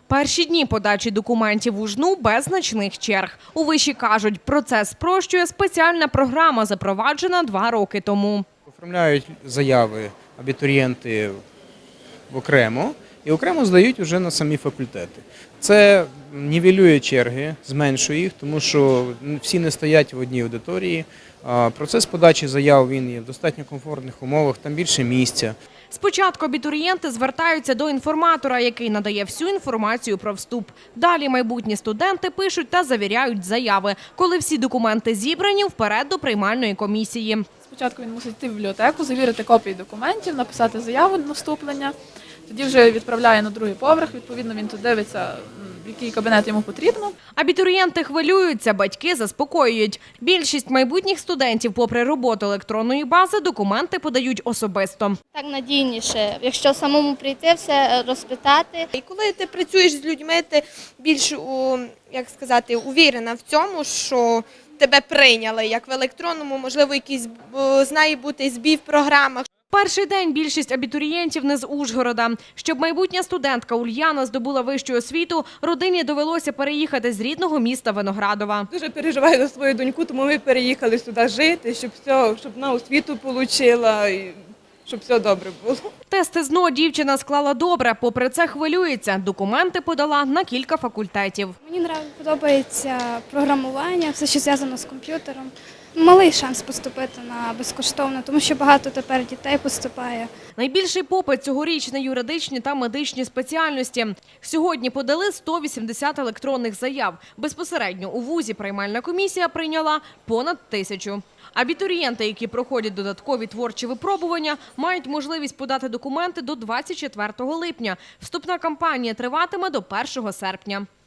Перші дні подачі документів у ЖНУ без значних черг. У виші кажуть, процес спрощує спеціальна програма, запроваджена 2 роки тому. Оформляють заяви абітурієнти окремо і окремо здають вже на самі факультети. Це нівелює черги, зменшує їх, тому що всі не стоять в одній аудиторії. Процес подачі заяв він є в достатньо комфортних умовах, там більше місця. Спочатку абітурієнти звертаються до інформатора, який надає всю інформацію про вступ. Далі майбутні студенти пишуть та завіряють заяви. Коли всі документи зібрані, вперед до приймальної комісії. Спочатку він мусить йти в бібліотеку, завірити копії документів, написати заяву на вступлення. Тоді вже відправляє на другий поверх, відповідно він тут дивиться, в який кабінет йому потрібно. Абітурієнти хвилюються, батьки заспокоюють. Більшість майбутніх студентів, попри роботу електронної бази, документи подають особисто. Так надійніше, якщо самому прийти, все розпитати. І коли ти працюєш з людьми, ти більш, увірена в цьому, що тебе прийняли, як в електронному, можливо, якийсь знає бути збій в програмах. Перший день більшість абітурієнтів не з Ужгорода. Щоб майбутня студентка Ульяна здобула вищу освіту, родині довелося переїхати з рідного міста Виноградова. Дуже переживаю за свою доньку, тому ми переїхали сюди жити, щоб вона освіту отримала і щоб все добре було. Тести ЗНО дівчина склала добре, попри це хвилюється. Документи подала на кілька факультетів. Мені подобається програмування, все, що зв'язано з комп'ютером. Малий шанс поступити на безкоштовно, тому що багато тепер дітей поступає. Найбільший попит цьогоріч на юридичні та медичні спеціальності. Сьогодні подали 180 електронних заяв. Безпосередньо у вузі приймальна комісія прийняла понад 1000. Абітурієнти, які проходять додаткові творчі випробування, мають можливість подати документи до 24 липня. Вступна кампанія триватиме до 1 серпня.